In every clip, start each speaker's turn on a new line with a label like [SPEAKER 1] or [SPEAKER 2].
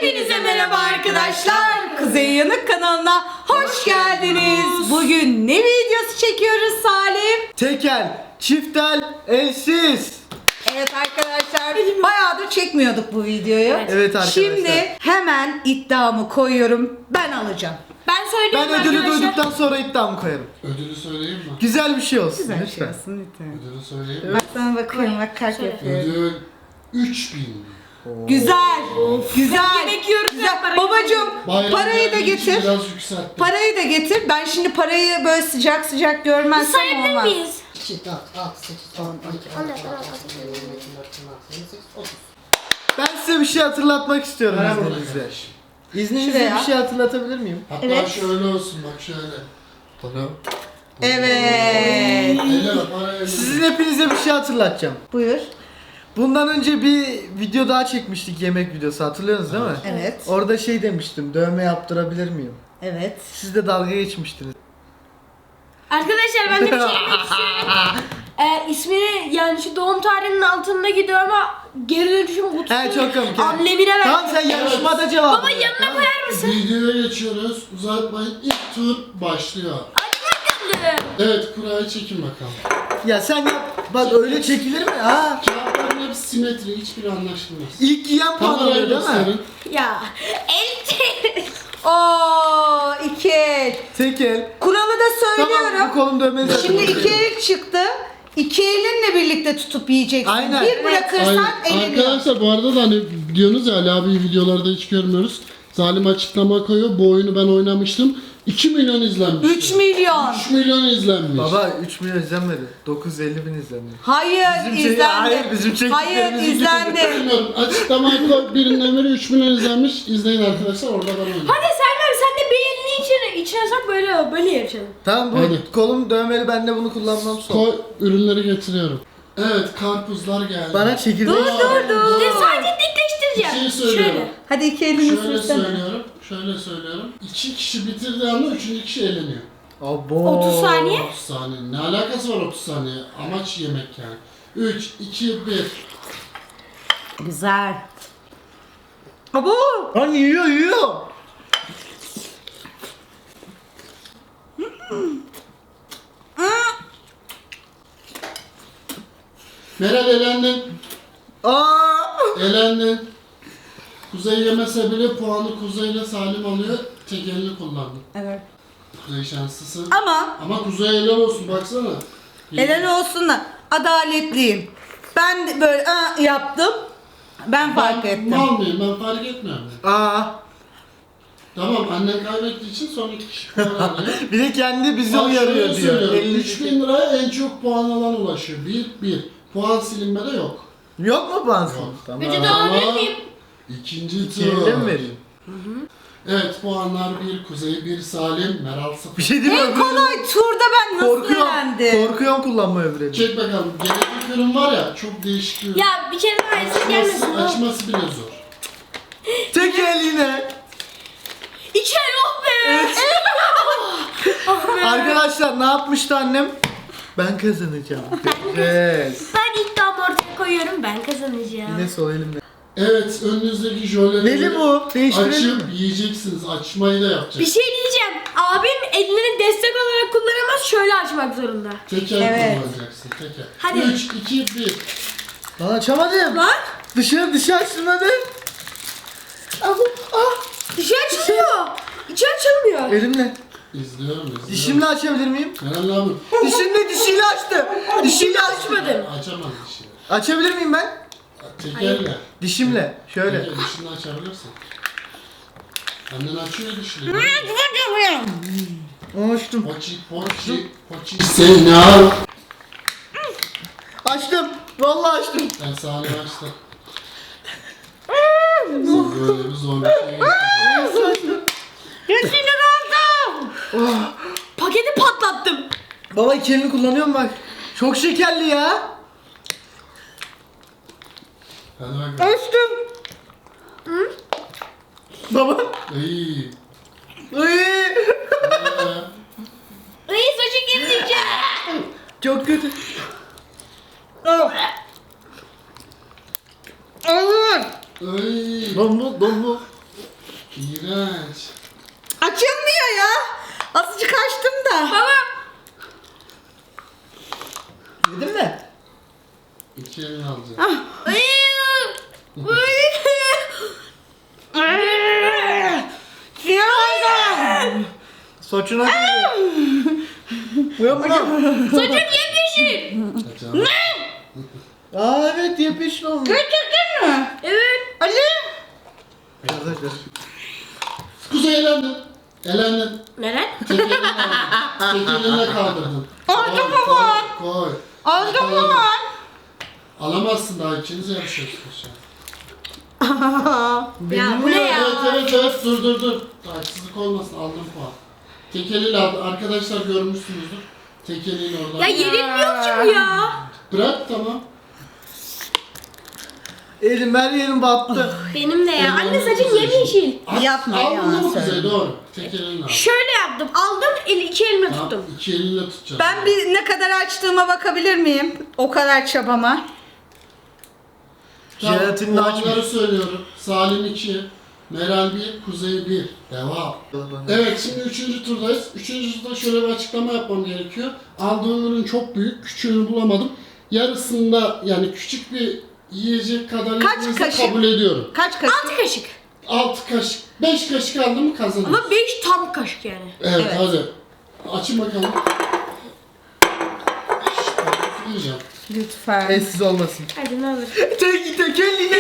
[SPEAKER 1] Hepinize merhaba arkadaşlar. Kuzey Yanık kanalına hoş geldiniz. Bugün ne videosu çekiyoruz Salim?
[SPEAKER 2] Tekel, çiftel, elsiz.
[SPEAKER 1] Evet arkadaşlar, bayağıdır çekmiyorduk bu videoyu.
[SPEAKER 2] Evet arkadaşlar.
[SPEAKER 1] Şimdi hemen iddiamı koyuyorum. Ben alacağım.
[SPEAKER 3] Ben söyleyeyim
[SPEAKER 2] Ben ödülü
[SPEAKER 3] arkadaşlar.
[SPEAKER 2] duyduktan sonra iddiamı koyarım.
[SPEAKER 4] Ödülü söyleyeyim mi?
[SPEAKER 2] Güzel bir şey olsun.
[SPEAKER 1] Güzel bir şey
[SPEAKER 2] lütfen.
[SPEAKER 1] olsun lütfen.
[SPEAKER 4] Ödülü söyleyeyim mi?
[SPEAKER 1] Bak sana bakıyorum, bak kalp
[SPEAKER 3] Söyle.
[SPEAKER 1] yapıyorum.
[SPEAKER 4] Ödül 3000.
[SPEAKER 1] Güzel, güzel.
[SPEAKER 3] Yemek yiyoruz ya,
[SPEAKER 1] Güzel.
[SPEAKER 3] parayı
[SPEAKER 1] Babacım,
[SPEAKER 4] Bayağı
[SPEAKER 1] parayı da
[SPEAKER 4] geldiği için
[SPEAKER 1] getir.
[SPEAKER 4] Biraz yükselttim.
[SPEAKER 1] Parayı da getir. Ben şimdi parayı böyle sıcak sıcak görmezsem
[SPEAKER 3] Sayabilir
[SPEAKER 1] olmaz.
[SPEAKER 3] miyiz?
[SPEAKER 5] 2, 4, 6, 8, 10, 12, 13, 14, 15, 16, 17, 18, 30.
[SPEAKER 2] Ben size bir şey hatırlatmak istiyorum
[SPEAKER 4] Para burada
[SPEAKER 2] izninizle.
[SPEAKER 4] kardeşim.
[SPEAKER 2] İzninizle
[SPEAKER 1] Şuraya.
[SPEAKER 2] bir şey hatırlatabilir miyim?
[SPEAKER 4] Hatta
[SPEAKER 1] Evet.
[SPEAKER 4] şöyle olsun bak şöyle. Para.
[SPEAKER 1] Evet.
[SPEAKER 4] Eller para eller.
[SPEAKER 2] Sizin hepinize bir şey hatırlatacağım.
[SPEAKER 1] Buyur.
[SPEAKER 2] Bundan önce bir video daha çekmiştik, yemek videosu, hatırlıyorsunuz değil mi?
[SPEAKER 1] Evet.
[SPEAKER 2] Orada şey demiştim, dövme yaptırabilir miyim?
[SPEAKER 1] Evet.
[SPEAKER 2] Siz de dalga geçmiştiniz.
[SPEAKER 3] Arkadaşlar ben de bir şey demek istiyorum. İsmini yani şu doğum tarihinin altındaki dövme geri dönüşüm kutusu.
[SPEAKER 2] He çok komik.
[SPEAKER 3] Amblemine ver.
[SPEAKER 2] Tamam sen yarışmada cevap
[SPEAKER 3] Baba
[SPEAKER 2] ver,
[SPEAKER 3] yanına
[SPEAKER 2] tamam.
[SPEAKER 3] koyar mısın?
[SPEAKER 4] Videoya geçiyoruz. Uzatmayın. İlk tur başlıyor. Evet kurayı çekin bakalım.
[SPEAKER 2] Ya sen yap. Bak öyle çekilir mi? Ha.
[SPEAKER 4] Kağıtların hepsi simetri. Hiçbiri anlaşılmaz.
[SPEAKER 2] İlk yiyen puan
[SPEAKER 4] Kamerayı
[SPEAKER 2] alıyor değil mi?
[SPEAKER 4] gösterin.
[SPEAKER 3] Ya. El.
[SPEAKER 1] Oo, iki el.
[SPEAKER 2] Tek el.
[SPEAKER 1] Kuralı da
[SPEAKER 2] Tamam bu
[SPEAKER 1] söylüyorum.
[SPEAKER 2] kolum dövmenizi
[SPEAKER 1] Şimdi
[SPEAKER 2] hatırlatıyorum.
[SPEAKER 1] iki el çıktı. İki elinle birlikte tutup yiyeceksin.
[SPEAKER 2] Aynen.
[SPEAKER 1] Bir bırakırsan eleniyor.
[SPEAKER 4] Arkadaşlar bu arada da hani diyorsunuz ya Ali abi videolarda hiç görmüyoruz. Zalim açıklama koyuyor. Bu oyunu ben oynamıştım. 2 milyon izlenmiş.
[SPEAKER 1] 3 milyon.
[SPEAKER 4] 3 milyon izlenmiş.
[SPEAKER 2] Baba 3 milyon izlenmedi. 950 bin izlendi.
[SPEAKER 1] Hayır,
[SPEAKER 2] Bizim
[SPEAKER 1] izlendi.
[SPEAKER 2] hayır, bizim
[SPEAKER 1] Hayır,
[SPEAKER 2] çektiklerimiz
[SPEAKER 1] izlendi.
[SPEAKER 4] Bilmiyorum. Açıklamaya koy. Birinden biri 3 milyon izlenmiş. İzleyin arkadaşlar. Orada ben oynadım.
[SPEAKER 3] Hadi Selma sen de bir elini içine sok böyle yapalım.
[SPEAKER 2] Tamam bu
[SPEAKER 4] Hadi.
[SPEAKER 2] kolum dövmeli, ben de bunu kullanmam son.
[SPEAKER 4] Koy. Ürünleri getiriyorum. Evet karpuzlar geldi.
[SPEAKER 2] Bana çekirdek.
[SPEAKER 1] Dur.
[SPEAKER 3] Bir de sadece
[SPEAKER 4] Bir
[SPEAKER 3] dikleştireceğim.
[SPEAKER 4] şey söylüyorum.
[SPEAKER 3] Şöyle.
[SPEAKER 1] Hadi iki elini
[SPEAKER 4] Şöyle
[SPEAKER 1] sürsene.
[SPEAKER 4] söylüyorum. Şöyle söylüyorum. 2 kişi bitirdiği anda 3. kişi eleniyor.
[SPEAKER 2] Abo.
[SPEAKER 3] 30 saniye.
[SPEAKER 4] 30 saniye. Ne alakası var 30 saniye? Amaç yemek yani. 3, 2, 1.
[SPEAKER 1] Güzel. Abo.
[SPEAKER 2] Lan yiyor.
[SPEAKER 4] Meral elendin.
[SPEAKER 2] Aa.
[SPEAKER 4] Elendin. Kuzey yemese bile puanı Kuzey ile Salim alıyor. Tek elini kullandı.
[SPEAKER 1] Evet.
[SPEAKER 4] Kuzey şanslısın.
[SPEAKER 1] Ama
[SPEAKER 4] Kuzey helal olsun baksana.
[SPEAKER 1] helal olsun da adaletliyim. Ben de böyle yaptım. Ben fark ettim.
[SPEAKER 4] Mal mıyım? Ben fark etmiyorum.
[SPEAKER 2] Aa.
[SPEAKER 4] Tamam annen kaybettiği için son 2 kişi puan alıyor.
[SPEAKER 2] Bir de kendi bizi
[SPEAKER 4] Bak
[SPEAKER 2] uyarıyor
[SPEAKER 4] şöyle
[SPEAKER 2] diyor.
[SPEAKER 4] söylüyorum,
[SPEAKER 2] 50
[SPEAKER 4] 3000 liraya en çok puan alan ulaşıyor. 1. Puan silinmede yok.
[SPEAKER 2] Yok mu bansın?
[SPEAKER 4] Yok.
[SPEAKER 2] Tamam.
[SPEAKER 3] Vücuda alabilir miyim?
[SPEAKER 4] İkinci tur.
[SPEAKER 2] Yerine mi vereyim?
[SPEAKER 4] Evet puanlar 1 Kuzey 1 Salim Meral 0.
[SPEAKER 2] Bir şey değil mi?
[SPEAKER 1] En kolay turda ben nasıl öğrendim?
[SPEAKER 2] Korkuyorum kullanma öbürünü.
[SPEAKER 4] Çek bakalım. Genetik ürün var ya çok değişik bir ürün.
[SPEAKER 3] Ya bir kere daha eksik gelmesin.
[SPEAKER 4] Açması bile zor.
[SPEAKER 2] Tek el yine.
[SPEAKER 3] İki el oh be. Oh be.
[SPEAKER 2] Arkadaşlar ne yapmıştı annem? Ben kazanacağım. Yes.
[SPEAKER 3] Ben iddiamı ortaya koyuyorum. Ben kazanacağım.
[SPEAKER 2] Yine sol elimle.
[SPEAKER 4] Evet önünüzdeki jöleleri
[SPEAKER 2] Neli bu? Değiştirelim
[SPEAKER 4] açıp
[SPEAKER 2] mi?
[SPEAKER 4] yiyeceksiniz. Açmayı da
[SPEAKER 3] Bir
[SPEAKER 4] yapacaksınız.
[SPEAKER 3] şey diyeceğim. Abim elini destek olarak kullanamaz. Şöyle açmak zorunda.
[SPEAKER 4] Teker
[SPEAKER 1] Evet.
[SPEAKER 4] kullanacaksın. Teker.
[SPEAKER 3] Hadi.
[SPEAKER 4] 3, 2, 1.
[SPEAKER 2] Lan açamadım.
[SPEAKER 3] Lan.
[SPEAKER 2] Dışarı açtın hadi.
[SPEAKER 3] Dışı açılıyor. İçi açılmıyor.
[SPEAKER 2] Elimle.
[SPEAKER 4] İzliyorum.
[SPEAKER 2] Dişimle açabilir miyim?
[SPEAKER 4] Meral abi.
[SPEAKER 2] Dişiyle açtı. Dişiyle açtı.
[SPEAKER 3] Açmadım.
[SPEAKER 4] Açamaz dişini.
[SPEAKER 2] Açabilir miyim ben?
[SPEAKER 4] Tekerle.
[SPEAKER 2] Dişimle. Şöyle.
[SPEAKER 4] Teker dişini açabilirsin. Annen açıyor dişini.
[SPEAKER 2] Açtım.
[SPEAKER 4] Poçi. Seni al.
[SPEAKER 2] Açtım. Vallahi açtım.
[SPEAKER 4] Ben sahne açtım. Sen böyle bir zor bir şey yapıyorsun.
[SPEAKER 3] Sinir oldum. Paketi patlattım.
[SPEAKER 2] Baba iki elini kullanıyorum bak. Çok şekerli ya.
[SPEAKER 4] Hadi bakalım.
[SPEAKER 2] Açtım. Baba.
[SPEAKER 4] İyi.
[SPEAKER 2] Iy.
[SPEAKER 3] Ay saçı gideceğim.
[SPEAKER 2] Çok kötü.
[SPEAKER 4] Ay.
[SPEAKER 2] Dondu.
[SPEAKER 4] İğrenç.
[SPEAKER 1] Açılmıyor ya. Azıcık açtım da.
[SPEAKER 3] Baba.
[SPEAKER 2] Yedin mi?
[SPEAKER 4] 2 elini alacağım.
[SPEAKER 1] Sinir oldum.
[SPEAKER 2] Saçına giriyor. Uyan uyan.
[SPEAKER 3] Saçın yemyeşil.
[SPEAKER 4] Kaçalım.
[SPEAKER 2] Aa evet yepyeşil olmuş.
[SPEAKER 1] Gerçekten mi?
[SPEAKER 3] Evet.
[SPEAKER 1] Ali.
[SPEAKER 2] Biraz daha biraz.
[SPEAKER 4] Kuzey elendin. Elendin.
[SPEAKER 3] Neden?
[SPEAKER 4] Tek elini aldın. Tek elinle kaldırdın.
[SPEAKER 1] Aldım
[SPEAKER 4] Koy,
[SPEAKER 1] ama.
[SPEAKER 4] Koy.
[SPEAKER 1] Aldım
[SPEAKER 4] Yakaladın.
[SPEAKER 1] mı?
[SPEAKER 4] Alamazsın daha ikiniz yarışıyorsunuz şu an.
[SPEAKER 3] Ya bu ne ya?
[SPEAKER 4] Evet dur. Haksızlık olmasın aldım puan. Tek eliyle aldı. Arkadaşlar görmüşsünüzdür. Tek eliyle oradan.
[SPEAKER 3] Ya yenilmiyor ki bu ya.
[SPEAKER 4] Bırak tamam.
[SPEAKER 2] Elim her yerim battı.
[SPEAKER 3] Benim de ya. Anne saçın yemyeşil.
[SPEAKER 1] Yapma ya,
[SPEAKER 4] Aldın mı
[SPEAKER 1] söyle.
[SPEAKER 4] Kuzey doğru. Tek elinle al.
[SPEAKER 3] Şöyle yaptım. Aldım iki elime tuttum.
[SPEAKER 4] Tamam, 2 elinle tutacağım.
[SPEAKER 1] Ben bir ne kadar açtığıma bakabilir miyim? O kadar çabama.
[SPEAKER 2] Jelatinini
[SPEAKER 4] Puanları
[SPEAKER 2] açmış.
[SPEAKER 4] söylüyorum. Salim 2, Meral 1, Kuzey 1. Devam. Evet şimdi 3. turdayız. 3. turda şöyle bir açıklama yapmam gerekiyor. Aldığım ürün çok büyük. Küçüğünü bulamadım. Yarısında yani küçük bir yiyecek kadar
[SPEAKER 1] Kaç
[SPEAKER 4] yediğinizi
[SPEAKER 1] kaşık?
[SPEAKER 4] kabul ediyorum.
[SPEAKER 1] Kaç kaşık?
[SPEAKER 3] 6 kaşık.
[SPEAKER 4] 6 kaşık. 5 kaşık aldım mı kazanırız.
[SPEAKER 3] Ama 5 tam kaşık yani.
[SPEAKER 4] Evet,
[SPEAKER 1] Evet.
[SPEAKER 4] hadi. Açın bakalım. Yiyeceğim.
[SPEAKER 1] Lütfen.
[SPEAKER 2] Etsiz olmasın.
[SPEAKER 3] Hadi ne olur.
[SPEAKER 2] Tekel yine.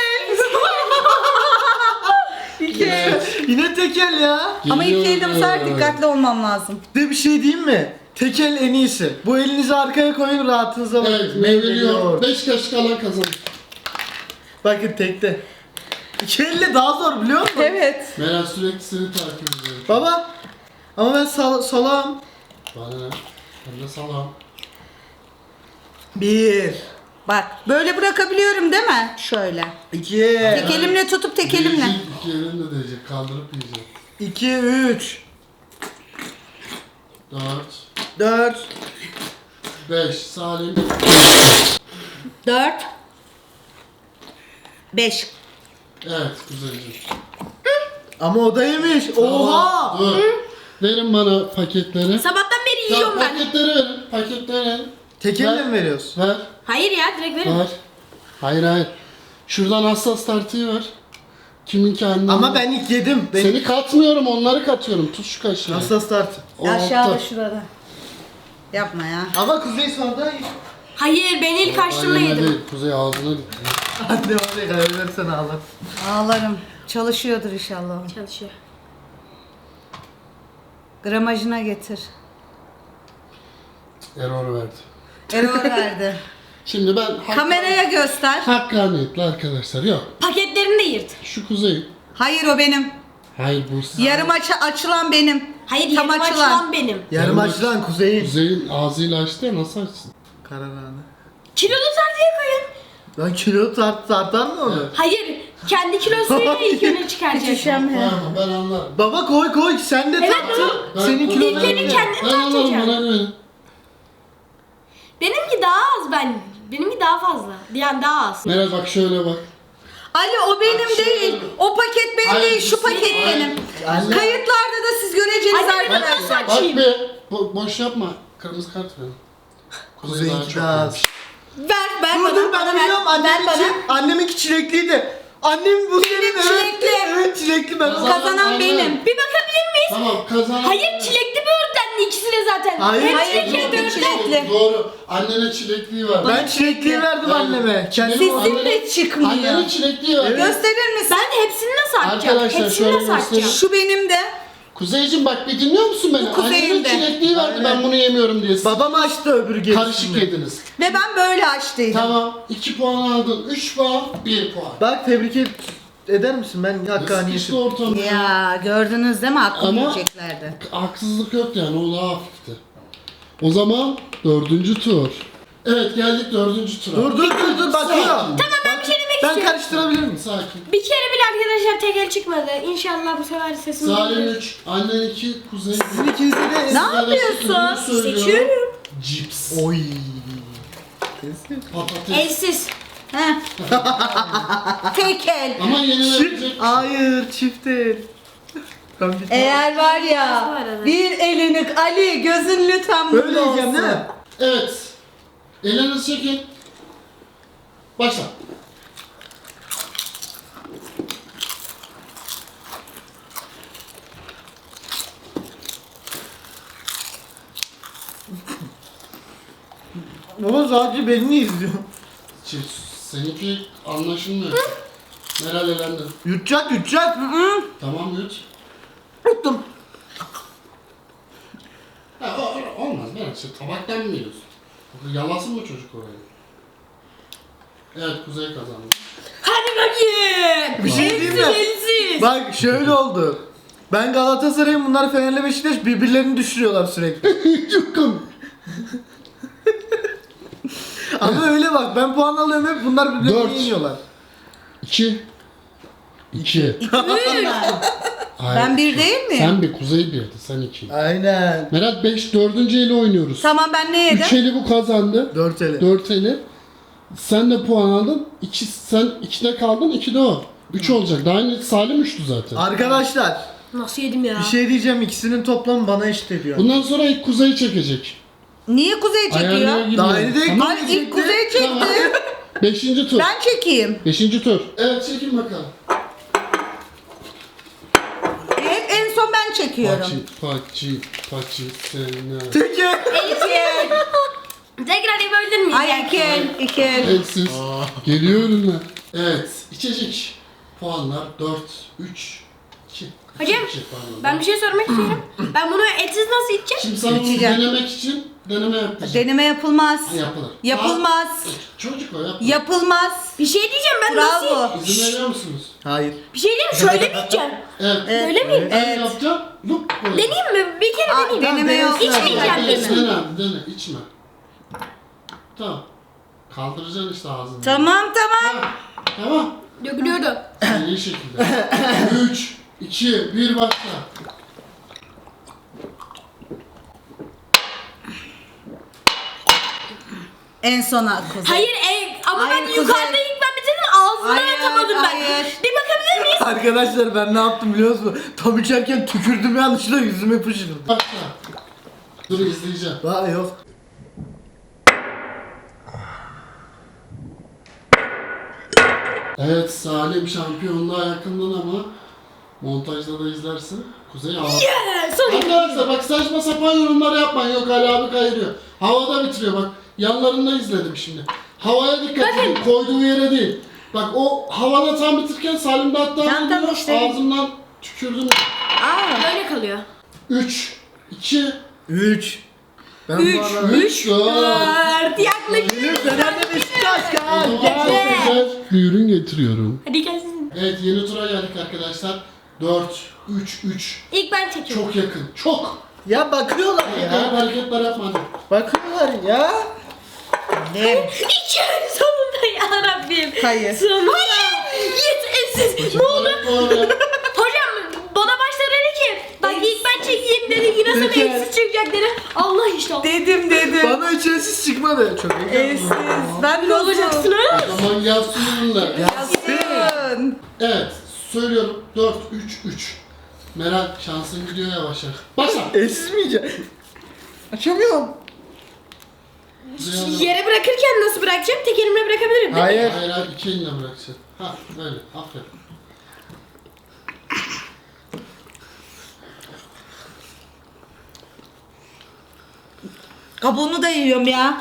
[SPEAKER 2] Yine tekel ya.
[SPEAKER 1] Ama ilk
[SPEAKER 4] Geliyor.
[SPEAKER 1] elde bu sefer dikkatli olmam lazım.
[SPEAKER 2] De bir şey diyeyim mi? Tekel en iyisi. Bu elinizi arkaya koyun rahatınıza bakın.
[SPEAKER 4] Evet, meyveliyor. 5 kaşık alan kazanır.
[SPEAKER 2] Bakın tekte. İki elle daha zor biliyor musun?
[SPEAKER 1] Evet.
[SPEAKER 4] Meral sürekli seni takip ediyor.
[SPEAKER 2] Baba. Ama ben salam.
[SPEAKER 4] Bana ne? Ben de salam.
[SPEAKER 2] Bir.
[SPEAKER 1] Bak böyle bırakabiliyorum değil mi? Şöyle.
[SPEAKER 2] İki.
[SPEAKER 1] Tek elimle tutup tek elimle.
[SPEAKER 4] Yiyecek, 2 elinle değecek. Kaldırıp yiyecek.
[SPEAKER 2] 2, 3,
[SPEAKER 4] 4,
[SPEAKER 2] 4.
[SPEAKER 4] 5. Salim.
[SPEAKER 1] 4 5.
[SPEAKER 4] Evet, güzelce.
[SPEAKER 2] Ama o da yemiş. Oha.
[SPEAKER 4] Dur. Verin bana paketleri.
[SPEAKER 3] Sabahtan beri
[SPEAKER 4] Tamam,
[SPEAKER 3] yiyorum ben.
[SPEAKER 4] paketleri verin. Paketleri verin.
[SPEAKER 2] Tek elle mi veriyorsun?
[SPEAKER 4] Ver.
[SPEAKER 3] Hayır ya direkt verin.
[SPEAKER 4] Ver. Hayır. Şuradan hassas tartıyı ver. Kiminki annem?
[SPEAKER 2] Ama ben ilk yedim. Ben
[SPEAKER 4] Seni katmıyorum, onları katıyorum. Tut şu kaşığı.
[SPEAKER 2] hassas tart.
[SPEAKER 4] O
[SPEAKER 1] Aşağıda
[SPEAKER 4] altta.
[SPEAKER 1] şurada. Yapma ya.
[SPEAKER 2] Ama Kuzey sonra
[SPEAKER 3] Hayır ben ilk açtığımda
[SPEAKER 4] Anneme
[SPEAKER 3] yedim.
[SPEAKER 4] değil, Kuzey ağzına gitti.
[SPEAKER 2] anne oraya kaybedersen ağlar.
[SPEAKER 1] Ağlarım. Çalışıyordur inşallah. o.
[SPEAKER 3] Çalışıyor.
[SPEAKER 1] Gramajına getir.
[SPEAKER 4] Error verdi.
[SPEAKER 1] Error verdi.
[SPEAKER 4] Şimdi ben
[SPEAKER 1] Kameraya göster.
[SPEAKER 4] hakkaniyetli arkadaşlar. Yok.
[SPEAKER 3] Paketlerini de yırt.
[SPEAKER 4] Şu Kuzey.
[SPEAKER 1] Hayır o benim.
[SPEAKER 4] Hayır bu
[SPEAKER 1] Yarım açılan benim.
[SPEAKER 3] Hayır
[SPEAKER 1] Tam
[SPEAKER 3] yarım
[SPEAKER 1] açılan.
[SPEAKER 3] açılan benim.
[SPEAKER 2] Yarım açılan Kuzey'in.
[SPEAKER 4] Kuzey'in ağzıyla açtı ya, nasıl açsın?
[SPEAKER 2] Kararını.
[SPEAKER 3] Kilolu tartıya koyun.
[SPEAKER 2] Lan kilo tartar mı onu?
[SPEAKER 4] Evet.
[SPEAKER 3] Hayır kendi kilosuyla ilk öne çıkaracak.
[SPEAKER 1] Düşem.
[SPEAKER 4] Var mı? Ben anlarım.
[SPEAKER 2] Baba koy sen de
[SPEAKER 3] Evet,
[SPEAKER 2] tartın.
[SPEAKER 4] Ben-
[SPEAKER 2] Senin
[SPEAKER 4] ben-
[SPEAKER 2] kilonu
[SPEAKER 3] İlkeni
[SPEAKER 2] öyle.
[SPEAKER 3] kendin
[SPEAKER 4] Ben anlarım,
[SPEAKER 3] tartacaksın.
[SPEAKER 4] bana güvenin.
[SPEAKER 3] Benimki daha az ben. Benimki daha fazla. Yani daha az.
[SPEAKER 4] Meral bak şöyle bak.
[SPEAKER 1] Ali o benim değil. O paket benim
[SPEAKER 4] Hayır,
[SPEAKER 1] değil. Şu paket
[SPEAKER 4] hayır.
[SPEAKER 1] benim.
[SPEAKER 2] Anne.
[SPEAKER 1] Kayıtlarda da siz göreceğiniz
[SPEAKER 3] Anne, ben
[SPEAKER 1] arkadaşlar.
[SPEAKER 3] nasıl
[SPEAKER 4] Bak
[SPEAKER 3] açayım?
[SPEAKER 4] be. Boş yapma. Kırmızı kart ver. Kuzey daha
[SPEAKER 2] Kuzey'inki
[SPEAKER 4] çok
[SPEAKER 2] daha az.
[SPEAKER 4] yemiş.
[SPEAKER 1] Ver
[SPEAKER 2] Dur dur ben
[SPEAKER 1] bana
[SPEAKER 2] biliyorum
[SPEAKER 1] ver
[SPEAKER 2] anneminki.
[SPEAKER 1] bana.
[SPEAKER 2] Anneminki çilekliydi. Annem bu senin evet.
[SPEAKER 1] çilekli.
[SPEAKER 2] Evet çilekli ben.
[SPEAKER 1] Kazanan
[SPEAKER 4] Anne.
[SPEAKER 1] benim.
[SPEAKER 3] Bir bakabilir miyiz?
[SPEAKER 4] Tamam kazanan.
[SPEAKER 3] Hayır çilekli böğürtlenli ikisi de zaten.
[SPEAKER 2] Hayır,
[SPEAKER 3] Hem
[SPEAKER 2] çilekli,
[SPEAKER 3] çilekli hem
[SPEAKER 1] çilekli.
[SPEAKER 3] böğürtlen.
[SPEAKER 4] Doğru. Annene çilekliği var.
[SPEAKER 2] Ben çilekliyi verdim anneme. Kendim
[SPEAKER 4] Benim
[SPEAKER 1] Sizin
[SPEAKER 4] annene-
[SPEAKER 1] de çıkmıyor.
[SPEAKER 4] Annene çilekliği var.
[SPEAKER 1] Gösterir misin?
[SPEAKER 3] Ben hepsini nasıl açacağım?
[SPEAKER 4] Arkadaşlar,
[SPEAKER 3] Hepsini
[SPEAKER 4] şöyle
[SPEAKER 3] nasıl açacağım?
[SPEAKER 4] göstereyim.
[SPEAKER 1] Şu benim de.
[SPEAKER 4] Kuzeyciğim bak bir dinliyor musun beni?
[SPEAKER 1] Bu Kuzey'in
[SPEAKER 4] Annenin
[SPEAKER 1] de.
[SPEAKER 4] çilekliği vardı ben bunu yemiyorum diye. Siz
[SPEAKER 2] Babam açtı öbür gerisini.
[SPEAKER 4] karışık yediniz.
[SPEAKER 1] Ve ben böyle açtıydım.
[SPEAKER 4] Tamam. 2 puan aldın. 3 puan. 1 puan.
[SPEAKER 2] Bak tebrik eder misin? Ben
[SPEAKER 4] Sıkıştı
[SPEAKER 2] hakkaniyetim.
[SPEAKER 4] ortamda.
[SPEAKER 1] Ya gördünüz değil mi? Hakkımı
[SPEAKER 4] Ama-
[SPEAKER 1] yiyeceklerdi.
[SPEAKER 4] Haksızlık yok yani, o daha hafifti. O zaman 4. tur. Evet geldik 4. tura.
[SPEAKER 2] Dur bakıyor.
[SPEAKER 4] Sakin.
[SPEAKER 3] Tamam ben bir şey demek
[SPEAKER 2] Ben
[SPEAKER 3] istiyorum.
[SPEAKER 2] karıştırabilir miyim?
[SPEAKER 4] Sakin.
[SPEAKER 3] Bir kere bile arkadaşlar tekel çıkmadı. İnşallah bu sefer sesim
[SPEAKER 4] Salim
[SPEAKER 3] gelir.
[SPEAKER 4] 3, annen 2, Kuzey 1.
[SPEAKER 2] Sizin ikinize de...
[SPEAKER 1] Ne yapıyorsun?
[SPEAKER 3] Seçiyorum.
[SPEAKER 4] Cips.
[SPEAKER 2] Oy.
[SPEAKER 4] Patates.
[SPEAKER 3] Elsiz.
[SPEAKER 1] Heh. Tek el.
[SPEAKER 4] Ama yenilebilecek.
[SPEAKER 2] Hayır çift el. Ben bir
[SPEAKER 1] Eğer var
[SPEAKER 3] Bu
[SPEAKER 1] ya
[SPEAKER 3] arada.
[SPEAKER 1] bir elini Ali gözün lütfen
[SPEAKER 2] Böyle
[SPEAKER 1] mutlu
[SPEAKER 2] yiyeceğim
[SPEAKER 1] olsun.
[SPEAKER 2] değil mi?
[SPEAKER 4] Evet. Ellerinizi çekin. Başla.
[SPEAKER 2] Baba sadece beni izliyor.
[SPEAKER 4] Seninki anlaşılmıyor. Meral elendi.
[SPEAKER 2] Yutacak yutacak.
[SPEAKER 4] Tamam yut.
[SPEAKER 2] Yuttum.
[SPEAKER 4] Ha, olmaz Meral. Şey, tabaktan mı yiyorsun? Yalasın mı çocuk orayı? Evet Kuzey kazandı.
[SPEAKER 3] Hadi bakayım.
[SPEAKER 2] Bir şey diyeyim mi?
[SPEAKER 3] Elsiz.
[SPEAKER 2] Bak şöyle oldu. Ben Galatasaray'ım, bunlar Fener'le Beşiktaş, birbirlerini düşürüyorlar sürekli.
[SPEAKER 4] Çok komik.
[SPEAKER 2] Ama öyle bak, ben puan alıyorum hep, bunlar
[SPEAKER 4] Dört.
[SPEAKER 2] birbirlerini yeniyorlar.
[SPEAKER 4] 2 2
[SPEAKER 1] Ben bir değil miyim?
[SPEAKER 4] Sen bir Kuzey birdi, sen 2.
[SPEAKER 2] Aynen.
[SPEAKER 4] Meral 5 4. eli oynuyoruz.
[SPEAKER 1] Tamam ben ne yedim?
[SPEAKER 4] 3 eli bu kazandı.
[SPEAKER 2] 4 ele.
[SPEAKER 4] 4 eli. Sen de puan aldın. Sen 2'de kaldın, 2'de o. 3 olacak. Daha önce Salim 3'tü zaten.
[SPEAKER 2] Arkadaşlar,
[SPEAKER 3] Nasıl yedim ya?
[SPEAKER 2] bir şey diyeceğim, ikisinin toplamı bana eşit ediyor.
[SPEAKER 4] Bundan sonra ilk Kuzey çekecek.
[SPEAKER 1] Niye Kuzey
[SPEAKER 4] Ayarlara
[SPEAKER 1] çekiyor?
[SPEAKER 4] girmiyor.
[SPEAKER 2] Daha yeni değil.
[SPEAKER 4] Tamam.
[SPEAKER 1] Ay ilk Kuzey çekti.
[SPEAKER 4] Tamam. 5. tur.
[SPEAKER 1] Ben çekeyim.
[SPEAKER 4] 5. tur. Evet çekin bakalım.
[SPEAKER 1] Hep en son ben çekiyorum.
[SPEAKER 4] Paçi sena.
[SPEAKER 2] Teker.
[SPEAKER 3] Tekrar yapabilir miyiz?
[SPEAKER 1] Ay iki.
[SPEAKER 4] Elsiz. Geliyor ürünler. Evet. içecek. Puanlar 4, 3, 2.
[SPEAKER 3] Hocam, ben bir şey sormak istiyorum. Ben bunu etsiz nasıl içeceğim?
[SPEAKER 4] Şimdi sana bunu
[SPEAKER 1] İçeceğim.
[SPEAKER 4] denemek için deneme yapacağım.
[SPEAKER 1] Deneme yapılmaz.
[SPEAKER 4] Ha, yapılır.
[SPEAKER 1] Yapılmaz.
[SPEAKER 4] Çocuk o yapma.
[SPEAKER 1] Yapılmaz.
[SPEAKER 3] Bir şey diyeceğim ben nasıl...
[SPEAKER 1] Bravo.
[SPEAKER 4] İzin veriyor musunuz?
[SPEAKER 2] Hayır.
[SPEAKER 3] Bir şey diyeyim mi? Şöyle mi içeceğim?
[SPEAKER 4] Evet.
[SPEAKER 3] Öyle miyim?
[SPEAKER 4] Ben
[SPEAKER 1] Evet.
[SPEAKER 4] yapacağım. Lup böyle.
[SPEAKER 3] Deneyeyim mi? Bir kere
[SPEAKER 1] Aa,
[SPEAKER 3] deneyeyim.
[SPEAKER 1] deneme yok.
[SPEAKER 3] İçmeyeceğim
[SPEAKER 4] Dene,
[SPEAKER 3] değil mi?
[SPEAKER 4] dene, içme. Tamam. Kaldıracaksın işte ağzını.
[SPEAKER 1] Tamam tamam.
[SPEAKER 4] Ha, tamam.
[SPEAKER 3] Dökülüyordu.
[SPEAKER 4] İyi şekilde. 3, 2, 1 başla.
[SPEAKER 1] En sona Kuzey.
[SPEAKER 3] Hayır ama
[SPEAKER 1] Hayır,
[SPEAKER 3] ben
[SPEAKER 1] Kuzey.
[SPEAKER 3] yukarıda ilk ben bitirdim ağzına
[SPEAKER 1] Hayır,
[SPEAKER 3] atamadım ben.
[SPEAKER 1] hayır.
[SPEAKER 3] Bir bakabilir miyiz?
[SPEAKER 2] Arkadaşlar ben ne yaptım biliyor musun? Tam içerken tükürdüm, yanlışlıkla yüzüme fışkırdı.
[SPEAKER 4] Başla. Dur izleyeceğim.
[SPEAKER 2] Daha yok.
[SPEAKER 4] Evet Salim şampiyonluğa yakından ama montajda da izlersin. Kuzey hava.
[SPEAKER 3] Sorry.
[SPEAKER 4] Arkadaşlar bak saçma sapan yorumlar yapmayın. Yok Ali abi kayırıyor. Havada bitiriyor bak. Yanlarında izledim şimdi. Havaya dikkat edin. Koyduğu yere değil. Bak o havada tam bitirken Salim de hatta
[SPEAKER 1] Tamam, tamam, işte.
[SPEAKER 4] ağzımdan tükürdüm.
[SPEAKER 1] Aa.
[SPEAKER 3] Böyle kalıyor.
[SPEAKER 4] 3, 2,
[SPEAKER 2] 3. Ben
[SPEAKER 3] Üç.
[SPEAKER 2] bu arada...
[SPEAKER 4] 3, 4.
[SPEAKER 3] 4 yaklaşık.
[SPEAKER 2] Benim Fener'le Beşiktaş
[SPEAKER 4] O
[SPEAKER 2] kan.
[SPEAKER 4] zaman
[SPEAKER 2] Gel.
[SPEAKER 4] çok güzel bir ürün getiriyorum.
[SPEAKER 3] Hadi gelsin.
[SPEAKER 4] Evet yeni tura geldik arkadaşlar. 4, 3, 3.
[SPEAKER 3] İlk ben çekiyorum.
[SPEAKER 4] Çok yakın. Çok.
[SPEAKER 2] Ya bakıyorlar
[SPEAKER 4] Garip
[SPEAKER 2] ya.
[SPEAKER 4] hareketler yapmadım.
[SPEAKER 2] Bakıyorlar ya.
[SPEAKER 1] Ne?
[SPEAKER 3] İçeri sonunda ya Rabbim.
[SPEAKER 1] Hayır.
[SPEAKER 3] Sonunda. Hayır. Yes, ne oldu? Hocam bana başta dedi ki bak ilk ben çekeyim dedi yine sana
[SPEAKER 2] Peki.
[SPEAKER 3] eksiz çıkacak dedi. Allah işte.
[SPEAKER 1] Dedim.
[SPEAKER 2] Bana içerisiz çıkmadı. Çok iyi.
[SPEAKER 1] Eşsiz. Ben
[SPEAKER 3] Ne olacaksın ha?
[SPEAKER 4] O zaman gelsin ürünler.
[SPEAKER 1] Yazsın.
[SPEAKER 4] Evet. Söylüyorum. 4, 3, 3. Meral şansın gidiyor yavaş yavaş. Başla.
[SPEAKER 2] Eşsiz mi yiyeceğim? Açamıyorum.
[SPEAKER 3] Yere bırakırken nasıl bırakacağım? Tek elimle bırakabilirim.
[SPEAKER 2] Hayır.
[SPEAKER 4] Hayır hayır iki elinle bırakacaksın. Ha böyle. Aferin.
[SPEAKER 1] Kabuğunu da yiyorum ya.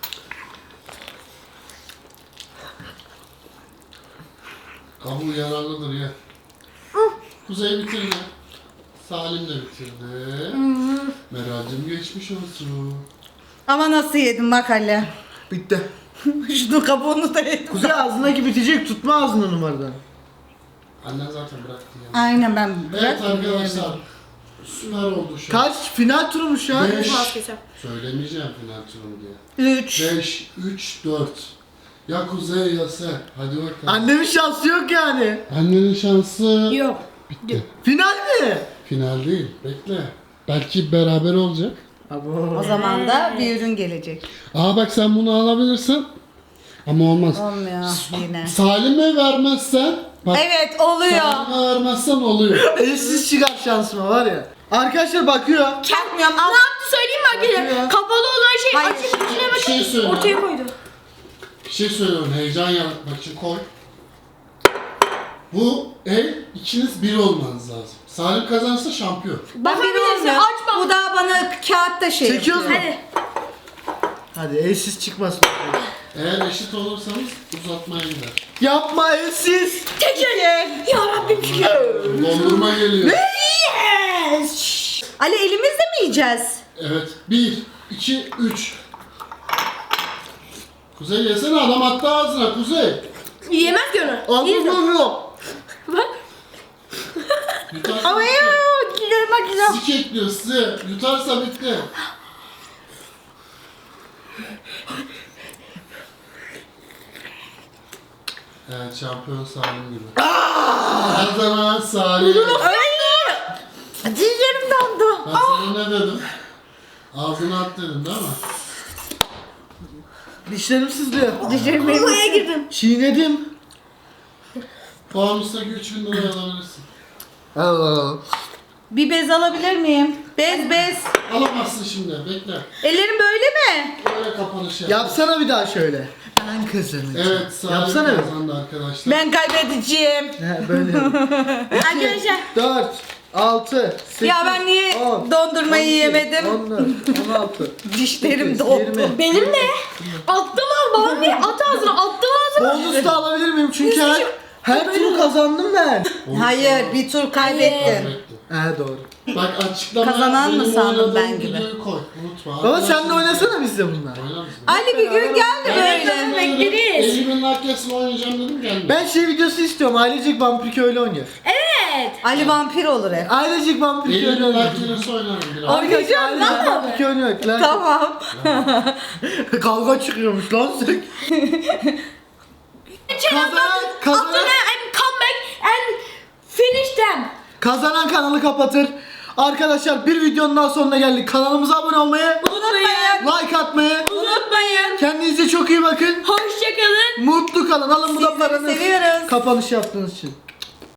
[SPEAKER 4] Kabuğu yararlıdır ya. Kuzey bitirdi. Salim de bitirdi. Meral'cim geçmiş olsun.
[SPEAKER 1] Ama nasıl yedim bak Ali.
[SPEAKER 2] Bitti.
[SPEAKER 1] Şunu kabuğunu da yedim.
[SPEAKER 2] Kuzey ağzındaki bitecek, tutma ağzını numaradan.
[SPEAKER 4] Annen zaten bıraktı ya.
[SPEAKER 1] Aynen ben
[SPEAKER 4] Evet arkadaşlar. Süper oldu şu an.
[SPEAKER 2] Kaç? Final turumuş ya.
[SPEAKER 4] 5.
[SPEAKER 3] Vazgeçeceğim.
[SPEAKER 4] Söylemeyeceğim final turu diye.
[SPEAKER 1] 3.
[SPEAKER 4] 5, 3, 4. Ya Kuzey ya sen. Hadi bakalım.
[SPEAKER 2] Annemin şansı yok yani.
[SPEAKER 4] Annenin şansı
[SPEAKER 3] Yok.
[SPEAKER 4] bitti.
[SPEAKER 2] Final mi?
[SPEAKER 4] Final değil. Bekle. Belki beraber olacak.
[SPEAKER 1] O zaman da bir ürün gelecek.
[SPEAKER 4] Aa bak sen bunu alabilirsin. Ama olmaz.
[SPEAKER 1] Olmuyor yine.
[SPEAKER 4] Salim'e vermezsen Bak,
[SPEAKER 1] Evet oluyor.
[SPEAKER 4] Salim'e vermezsen oluyor.
[SPEAKER 2] Elsiz çıkar şansıma var ya. Arkadaşlar bakıyor.
[SPEAKER 1] Bakmıyorum.
[SPEAKER 3] Ne yaptı söyleyeyim mi arkadaşlar?
[SPEAKER 2] Bakıyor.
[SPEAKER 3] Kapalı olan şey
[SPEAKER 1] Hayır.
[SPEAKER 3] açıp içine
[SPEAKER 4] Bir şey
[SPEAKER 3] bakıp
[SPEAKER 4] söyle.
[SPEAKER 3] ortaya koydu.
[SPEAKER 4] Bir şey söylüyorum, heyecan yaratmak için koy. Bu el ikiniz bir olmanız lazım. Salim kazanırsa şampiyon.
[SPEAKER 1] Ben biri
[SPEAKER 3] Bakabilirsin,
[SPEAKER 1] olmuyor.
[SPEAKER 3] aç bak.
[SPEAKER 1] Bu da bana kağıtta şey
[SPEAKER 2] Çekiyoruz mu?
[SPEAKER 1] yapıyor.
[SPEAKER 3] Hadi.
[SPEAKER 2] Hadi elsiz çıkmasın.
[SPEAKER 4] Eğer eşit olursanız uzatmaya gider.
[SPEAKER 2] Yapma elsiz.
[SPEAKER 3] Teker. Ya Rabbim şükür.
[SPEAKER 4] Dondurma geliyor.
[SPEAKER 1] Yes. Ali elimizle mi yiyeceğiz?
[SPEAKER 4] Evet. 1, 2, 3. Kuzey yesene, adam attı ağzına Kuzey.
[SPEAKER 3] Yiyemez ki onu.
[SPEAKER 2] Anlamıyorum.
[SPEAKER 3] Bak.
[SPEAKER 4] Yutarsa
[SPEAKER 1] Ama ya
[SPEAKER 4] bitti.
[SPEAKER 1] görmek güzel.
[SPEAKER 4] Sizi ekliyor sizi. Yutarsa bitti. Evet, şampiyon Salim gibi. Kazanan Salim.
[SPEAKER 1] Dizlerim dondu.
[SPEAKER 4] Ben sana ne dedim? Ağzına at dedim değil mi?
[SPEAKER 2] Dişlerim sızlıyor.
[SPEAKER 1] Dizlerim benim.
[SPEAKER 3] Buraya girdim.
[SPEAKER 2] Çiğnedim.
[SPEAKER 4] Puanüsteki 3000 liraya alabilirsin.
[SPEAKER 2] Allah Allah.
[SPEAKER 1] Bir bez alabilir miyim? Bez.
[SPEAKER 4] Alamazsın şimdi, bekle.
[SPEAKER 1] Ellerim böyle mi?
[SPEAKER 4] Böyle kapanış yap.
[SPEAKER 2] Yapsana bir daha şöyle. Ben kazanacağım.
[SPEAKER 4] Evet, Salim
[SPEAKER 2] Yapsana bir.
[SPEAKER 4] kazandı arkadaşlar.
[SPEAKER 1] Ben kaybedeceğim.
[SPEAKER 2] He böyle.
[SPEAKER 3] Arkadaşlar.
[SPEAKER 2] 4, 6, 8,
[SPEAKER 1] Ya ben niye dondurmayı yemedim?
[SPEAKER 2] 14, 16.
[SPEAKER 1] Dişlerim
[SPEAKER 2] 18,
[SPEAKER 1] dondu.
[SPEAKER 2] 20.
[SPEAKER 3] Benim de. Attım al babam bir at ağzına. Attım ağzına.
[SPEAKER 2] Bonus da alabilir miyim? Çünkü her türlü kazandım ben.
[SPEAKER 1] Hayır bir tur kaybettim.
[SPEAKER 4] Kaybetti.
[SPEAKER 2] He doğru.
[SPEAKER 4] Bak, açıklamaya
[SPEAKER 1] Kazanan mı
[SPEAKER 4] benim
[SPEAKER 1] sandın
[SPEAKER 4] oynadığım
[SPEAKER 1] ben gibi?
[SPEAKER 4] videoyu koy. Unutma.
[SPEAKER 2] Baba sen de
[SPEAKER 4] Arkadaşlar,
[SPEAKER 2] oynasana bizle bunlar.
[SPEAKER 4] oynar mısın?
[SPEAKER 1] Ali bir gün geldi böyle.
[SPEAKER 3] bekleriz.
[SPEAKER 4] Elimin arkasını oynayacağım dedim, gelmedi.
[SPEAKER 2] Ben şey videosu istiyorum. Ailecek vampir köylü oynuyor.
[SPEAKER 3] Evet.
[SPEAKER 1] Ali vampir olur hep.
[SPEAKER 2] Ailecek vampir köylü
[SPEAKER 4] Elimin
[SPEAKER 2] oynuyor.
[SPEAKER 4] arkasını oynarım biraz.
[SPEAKER 1] Oynayacağım
[SPEAKER 2] Ailecek
[SPEAKER 1] lan.
[SPEAKER 2] vampir köylü oynuyor. Lan.
[SPEAKER 1] Tamam.
[SPEAKER 2] Kavga çıkıyormuş lan sen. Kazanan,
[SPEAKER 3] And come back and finish them.
[SPEAKER 2] kazanan kanalı kapatır. Arkadaşlar bir videonun daha sonuna geldik. Kanalımıza abone olmayı,
[SPEAKER 1] Unutmayın.
[SPEAKER 2] like atmayı,
[SPEAKER 3] Unutmayın.
[SPEAKER 2] kendinize çok iyi bakın.
[SPEAKER 3] Hoşçakalın.
[SPEAKER 2] Mutlu kalın. Alın bu da
[SPEAKER 1] Sizleri
[SPEAKER 2] paranız.
[SPEAKER 1] seviyoruz.
[SPEAKER 2] Kapanış yaptığınız için.